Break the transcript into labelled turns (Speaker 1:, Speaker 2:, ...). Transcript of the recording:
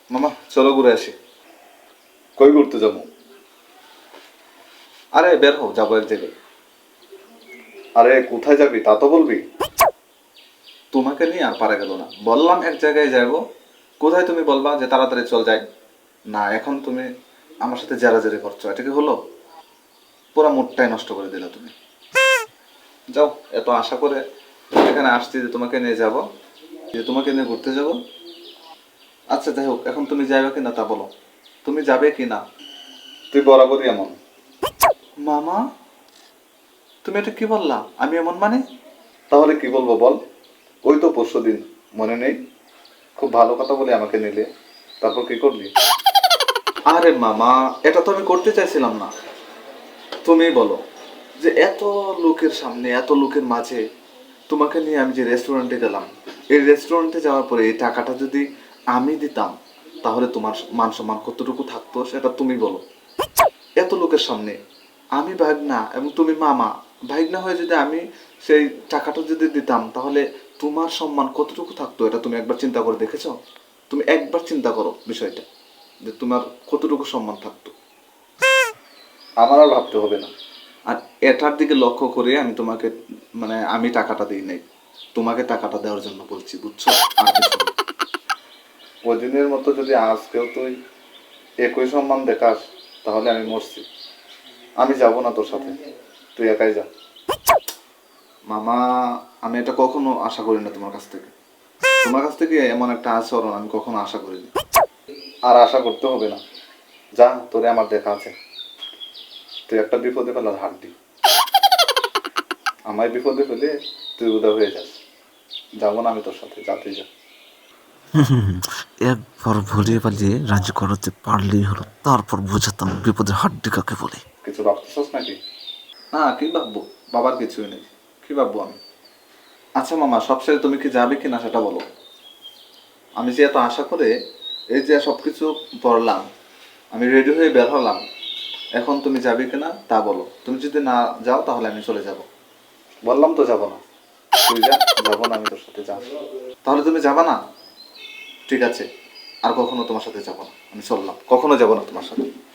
Speaker 1: মামা চলো ঘুরে আসি। কই ঘুরতে যাবো? আরে বের হও, যাবো এক জায়গায়। আরে কোথায় যাবি তা তো বলবি। তোমাকে নিয়ে আর পারা গেল না, বললাম এক জায়গায় যাবো। কোথায় তুমি বলবা যে তাড়াতাড়ি চল যাই। না, এখন তুমি আমার সাথে জেরাজেরি করছো, এটা কি হলো? পুরো মুডটাই নষ্ট করে দিলে তুমি। যাও, এত আশা করে এখানে আসছি যে তোমাকে নিয়ে যাব, যে তোমাকে নিয়ে ঘুরতে যাব। আচ্ছা যাই হোক, এখন তুমি যাবে কি না তা বলো। তুমি যাবে কি না? তুই বরাবরই এমন। মামা, তুমি এটা কি বললা? আমি এমন মানে? তাহলে কি বলবো বল? ওই তো পরশুদিন, মনে নেই? খুব ভালো কথা বলে আমাকে নিলে, তারপর কি করলি? আরে মামা, এটা তো আমি করতে চাইছিলাম না। তুমি বলো যে এত লোকের সামনে, এত লোকের মাঝে তোমাকে নিয়ে আমি যে রেস্টুরেন্টে গেলাম, এই রেস্টুরেন্টে যাওয়ার পরে এই টাকাটা যদি আমি দিতাম, তাহলে তোমার মান সম্মান কতটুকু থাকতো সেটা তুমি বলো। এত লোকের সামনে আমি ভাগনা এবং তুমি মামা, ভাগনা হয়ে যদি আমি সেই টাকাটা যদি দিতাম, তাহলে তোমার সম্মান কতটুকু থাকতো এটা তুমি একবার চিন্তা করে দেখেছো? তুমি একবার চিন্তা করো বিষয়টা, যে তোমার কতটুকু সম্মান থাকতো। আমার আর ভাবতে হবে না। আর এটার দিকে লক্ষ্য করে আমি তোমাকে, মানে আমি টাকাটা দিই নাই, তোমাকে টাকাটা দেওয়ার জন্য বলছি, বুঝছো? আর কিছু না। ওই দিনের মতো যদি আজকেও তুই একই সম্মান দেখাস, তাহলে আমি মরছি। আমি যাব না তোর সাথে, তুই একাই যা। মামা, আমি এটা কখনো আশা করি না তোমার কাছ থেকে। তোমার কাছ থেকে এমন একটা আচরণ আমি কখনো আশা করিনি। আর আশা করতে হবে না, যা, তোরে আমার দেখা আছে। তুই একটা বিপদে ফেলার হাড্ডি, আমায় বিপদে ফেলে তুই উদা হয়ে যাস। যাবো না আমি তোর সাথে, যা তুই যা।
Speaker 2: একবার ভুলিয়ে পালিয়ে রাজি করাতে পারলেই হলো, তারপর বোঝাতাম বিপদের হাড্ডি কাকে বলে।
Speaker 1: কিছু ভাবতেছস নাকি? না, কি ভাববো, বাবার কিছুই নেই, কি ভাববো আমি। আচ্ছা মামা, সবশেষে তুমি কি যাবে কিনা সেটা বলো। আমি যে এত আশা করে এই যে সবকিছু পড়লাম, আমি রেডি হয়ে বের হলাম, এখন তুমি যাবে কিনা তা বলো। তুমি যদি না যাও তাহলে আমি চলে যাব। বললাম তো যাব না, তুই যা। যাবো না আমি তোর সাথে, যা। তাহলে তুমি যাবা না? ঠিক আছে, আর কখনো তোমার সাথে যাব না, আমি চললাম, কখনো যাব না তোমার সাথে।